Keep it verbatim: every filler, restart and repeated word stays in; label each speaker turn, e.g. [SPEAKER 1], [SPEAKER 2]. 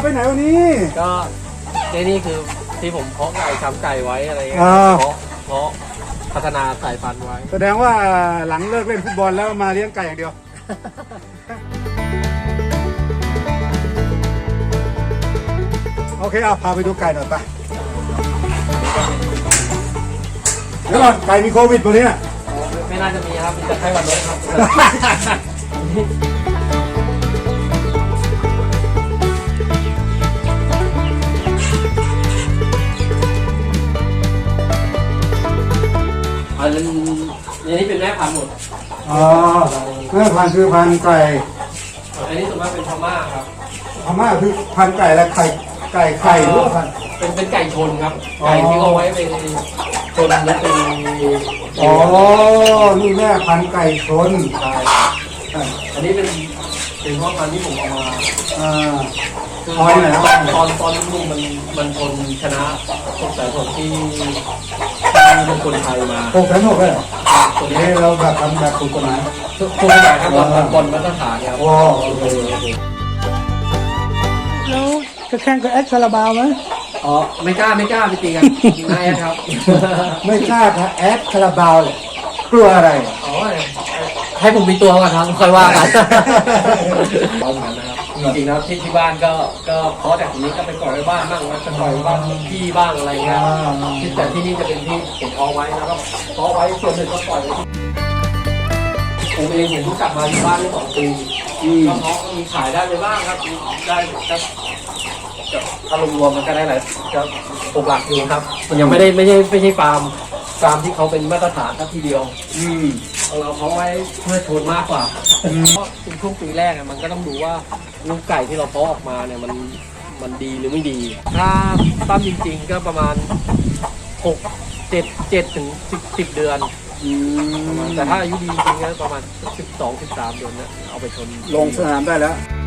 [SPEAKER 1] ไหนวันนี้
[SPEAKER 2] ก็ในนี่คือที่ผมเพาะไก่ทำไก่ไว้อะไรเงี้ย
[SPEAKER 1] อ่า
[SPEAKER 2] เพาะเพาะพัฒนาสายพันธุ์ไว้
[SPEAKER 1] แสดงว่าหลังเลิกเล่นฟุตบอลแล้วมาเลี้ยงไก่อย่างเดียว โอเคเอาพาไปดูไก่หน่อยไปเดี๋ยวก่อนไก่มีโควิดตัวนี้น่ะ
[SPEAKER 2] ไม่ไม่น่าจะมีครับมีแต่ไข้หวัดนกครับ อันนี้นี่เป็นแม่พันธุ์หมด
[SPEAKER 1] อ๋อแม่พันธุ์คือพันธุ์ไก่
[SPEAKER 2] อันนี้ส่วนมากเป็นพม่าครับ
[SPEAKER 1] พม่าคือพันธุ์ไก่และไข่ไก่ไข่หรือว่าพันธุ์
[SPEAKER 2] เป็นเป็นไก่ชนครับ
[SPEAKER 1] อ๋อ
[SPEAKER 2] ไก่ที่เอาไว้เป็นชนและเป็น
[SPEAKER 1] อ๋อนี่แม่พันธุ์ไก่ชน
[SPEAKER 2] ใช่อันนี้เป็นเป็นพ่อพันธุ์ที่ผมเอามา
[SPEAKER 1] อ่า
[SPEAKER 2] คือ
[SPEAKER 1] เอาไว้ไหนครับ
[SPEAKER 2] ตอนตอนตอนลูกมันมันชนชนะพวกสายผลที่ที่เป็นคนไทยมา
[SPEAKER 1] หกแสนหกเลยเหรอ
[SPEAKER 2] ตัว
[SPEAKER 1] นี่
[SPEAKER 2] นี้
[SPEAKER 1] เราแบบทำแบบถูกกฎหมาย
[SPEAKER 2] ทุกคนหมายครับบอลบอลมาตรฐานครับ
[SPEAKER 1] โอ้โอเคโอเค
[SPEAKER 3] แล้วจะแข่งกับแอดคาราบาวไหม
[SPEAKER 2] อ๋อไม่กล้าไม่กล้าไปตีกันนายครับ
[SPEAKER 1] ไม่กล้าครับแอดคาราบาวเลยกลัวอะไร
[SPEAKER 2] อ๋อให้ผมมีตัวก่อนครับค่อยว่ากันเอาเหมือนกันนะครับจริงๆแล้วที่ที่บ้านก็ก็เพราะแต่ทีนี้ก็ไปปล่อยไว้บ้านบ้างนะไปปล่อยไว้บ้านพี่บ้างอะไรเงี้ยที่แต่ที่นี่จะเป็นที่ผมเพาะไว้แล้วก็เพาะไว้ส่วนหนึ่งก็ปล่อยไว้ที่ผมเองผมเพิ่งกลับมาอยู่บ้านได้สองปีก็เพาะมีขายได้ไปบ้างครับได้ก็ถ้ารวมๆมันก็ได้หลายก็หกหลักอยู่ครับมันยังไม่ได้ไม่ใช่ไม่ใช่ฟาร์มฟาร์มที่เขาเป็นมาตรฐานทัทีเดียว
[SPEAKER 1] อืม
[SPEAKER 2] เราเพาะไว้เพื่อโชนมากกว่าเพราะในช่วงปีแรกอะมันก็ต้องดูว่าลูกไก่ที่เราเพาะออกมาเนี่ยมันมันดีหรือไม่ดี ถ้าตั้มจริงๆก็ประมาณหกเจ็ดเจ็ดถึงสิบสิบเดือน
[SPEAKER 1] อืม
[SPEAKER 2] แต่ถ้าอายุดีจริงๆก็ประมาณสิบสองสิบสามเดือนเนี่ยเอาไปชน
[SPEAKER 1] ลงสนามได้แล้ว